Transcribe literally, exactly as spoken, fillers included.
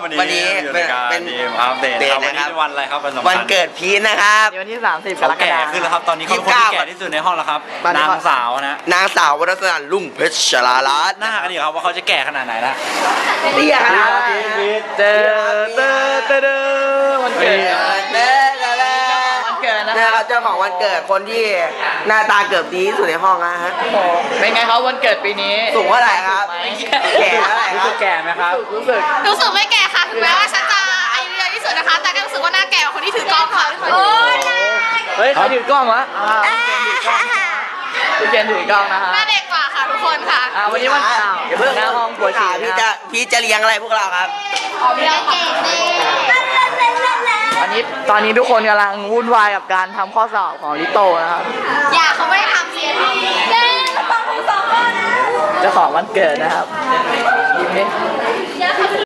วันนี้วันนี้อยู่ในการเป็นดีมอัปเดตเดคทรับวันนะคนี้รับเป็นวันอะไรครับวันสำคัญวันเกิดพีทนะครับวันที่สามสิบกเขารกแก่ฎาคมขึ้นแล้วครับตอนนี้เขาเป็นคนที่แก่ที่สุดในห้องแล้วครับตอนนี้นางเขาสาวนะนางสาววรัตนาลุ่งเพชรชลาลัตน์หน้ากันดีครับว่าเขาจะแก่ขนาดไหนนะเตี้ยขนาดเจอเจอเจอเจอวันเกิดเด้อเด้อวันเกิดนะนะคครัรับบเจ้าของวันเกิดคนที่หน้าตาเกือบดีที่สุดในห้องนะฮะเป็นไงครับวันเกิดปีนี้สูงเท่าไหร่ครับแก่เท่าไหร่รู้ครัสึบกแก่ไหมครับรู้สึกรู้สึกไม่แก่ค่ะถึงแม้ว่าฉันจะอายุเยอะที่สุดนะคะ แต่ก็รู้สึกว่าหน้าแก่กว่าคนที่ถือกล้องค่ะโอ้ยเฮ้ยใครถือกล้องวะอ่าพี่เจนถือกล้องนะฮะหน้าเด็กกว่าค่ะทุกคนค่ะอ่าวันนี้วันข่าวอย่าเพิ่งหน้าห้องปวดฉี่พี่นะจะพี่จะเลี้ยงอะไรพวกเราครับเด็กเก่งดีวันนี้ตอนนี้ทุกคนกำลังวุ่นวายกับการทำข้อสอบของลิโตนะครับอย่าเขาไม่ได้ทำเสียทีเย้ต้องสองข้อนะเจ้าของวันเกิดนะครับยิ้มดิ